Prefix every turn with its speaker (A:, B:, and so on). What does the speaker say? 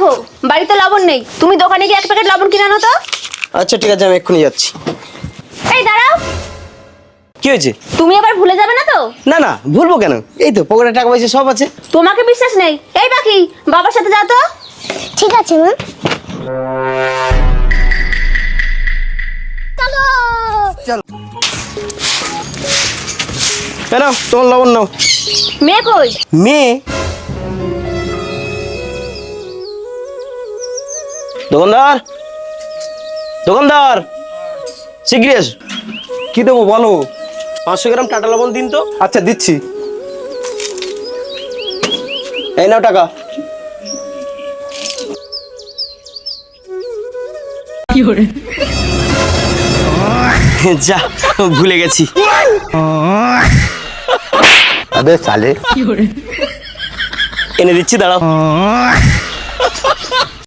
A: দেখো বাড়িতে লবণ নেই, তুমি দোকানে গিয়ে 1 প্যাকেট লবণ কিনে আনো তো।
B: আচ্ছা ঠিক আছে, আমি এক্ষুনি যাচ্ছি।
A: এই দাঁড়াও,
B: কি হয়েছে?
A: তুমি আবার ভুলে যাবে না তো?
B: না না, ভুলবো কেন? এই তো পকেটে টাকা পয়সা সব আছে।
A: তোমাকে বিশ্বাস নেই। এই বাকি বাবার সাথে যাও তো।
C: ঠিক আছে মা।
B: চলো। কেন তোমার লবণ নাও।
A: মেয়ে কই?
B: মেয়ে? দোকানদার, দোকানদার, শিগগিরি এসো।
D: কি দেবো বলো?
B: 500 গ্রাম টাটা লবণ দিন তো।
D: আচ্ছা দিচ্ছি।
B: এই নাও টাকা। যা, ভুলে গেছি।
D: আবে সালে
B: এনে দিচ্ছি, দাঁড়াও।